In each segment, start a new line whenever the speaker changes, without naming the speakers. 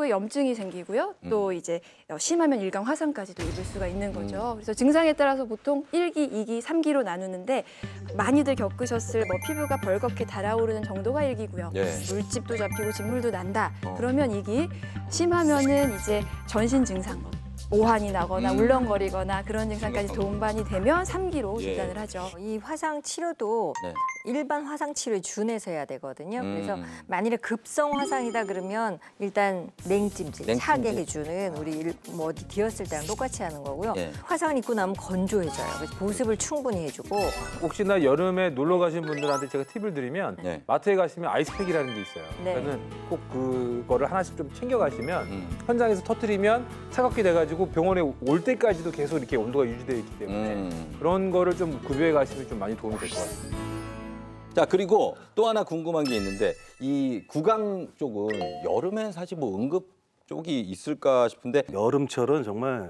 피부에 염증이 생기고요. 또 이제 심하면 일광 화상까지도 입을 수가 있는 거죠. 그래서 증상에 따라서 보통 1기, 2기, 3기로 나누는데 많이들 겪으셨을 뭐 피부가 벌겋게 달아오르는 정도가 1기고요.
예.
물집도 잡히고 진물도 난다. 그러면 2기, 심하면은 이제 전신 증상, 오한이 나거나 울렁거리거나 그런 증상까지 동반이 되면 3기로
예.
진단을 하죠.
이 화상 치료도
네.
일반 화상 치료에 준해서 해야 되거든요. 그래서 만일에 급성 화상이다 그러면 일단 냉찜질, 차게 해주는 우리 뭐 어디 뒤었을 때랑 똑같이 하는 거고요.
예.
화상을 입고 나면 건조해져요. 그래서 보습을 충분히 해주고.
혹시나 여름에 놀러 가신 분들한테 제가 팁을 드리면
네.
마트에 가시면 아이스팩이라는 게 있어요.
네.
그러니까는 꼭 그거를 하나씩 좀 챙겨 가시면 현장에서 터뜨리면 차갑게 돼가지고 병원에 올 때까지도 계속 이렇게 온도가 유지되어 있기 때문에 그런 거를 좀 구비해 가시면 좀 많이 도움이 될 것 같습니다.
자, 그리고 또 하나 궁금한 게 있는데 이 구강 쪽은 여름엔 사실 뭐 응급 쪽이 있을까 싶은데
여름철은 정말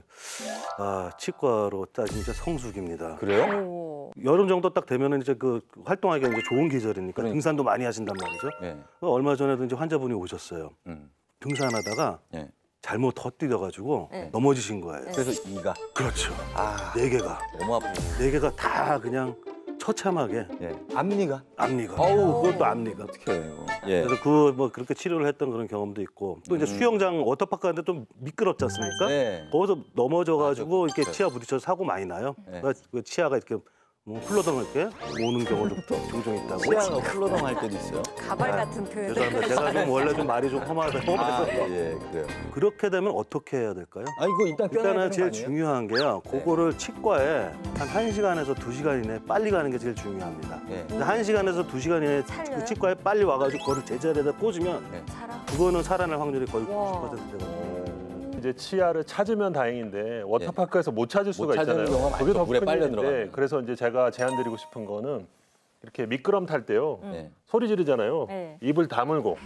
치과로 따지면 성수기입니다.
그래요?
오.
여름 정도 딱 되면은 이제 그 활동하기가 이제 좋은 계절이니까
그러니까.
등산도 많이 하신단 말이죠.
네.
얼마 전에도 이제 환자분이 오셨어요.
음.
등산하다가
네.
잘못 헛디뎌가지고
네.
넘어지신 거예요.
그래서 이가
그렇죠.
아,
네 개가
너무 아프고.
네 개가 다 그냥 처참하게
예. 앞니가
앞니가.
어우.
그것도 앞니가.
어떻게 해요? 예.
그래서 뭐 그렇게 치료를 했던 그런 경험도 있고 또 이제 수영장 워터파크 가는데 좀 미끄럽지 않습니까?
네.
거기서 넘어져가지고
맞아.
이렇게 치아 부딪혀서 사고 많이 나요.
네.
그러니까 그 치아가 이렇게 흘러덩이렇게 오는 경우도 종종 있다고.
치아가 흘러덩 할 때도 있어요.
가발 같은 표현.
죄송합니다. 제가 좀 원래 좀 말이 좀 험해서
아, 예, 그래요.
그렇게 되면 어떻게 해야 될까요?
아, 이거 일단 껴놔야 되는
일단은
거
제일
아니에요?
중요한 게요. 그거를 치과에 한 1시간에서 2시간 이내에 빨리 가는 게 제일 중요합니다.
예.
근데 1시간에서 2시간 이내에
살려요?
그 치과에 빨리 와가지고 그거를 제자리에다 꽂으면
살아.
그거는 살아날 확률이 거의
와.
90% 되거든요.
이제 치아를 찾으면 다행인데 워터파크에서 못 찾을 수가
찾는
있잖아요.
경우가
그게
많죠.
더
물에
큰
빨려
일인데
들어가면.
그래서 이제 제가 제안드리고 싶은 거는 이렇게 미끄럼 탈 때요.
네.
소리 지르잖아요.
네.
입을 다물고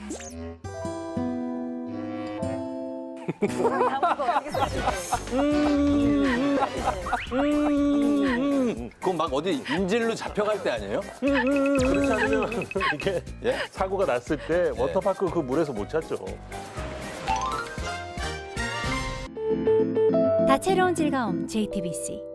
그건 막 어디 인질로 잡혀갈 때 아니에요?
그렇지 않으면 이게
예?
사고가 났을 때 워터파크 그 물에서 못 찾죠.
다채로운 즐거움 JTBC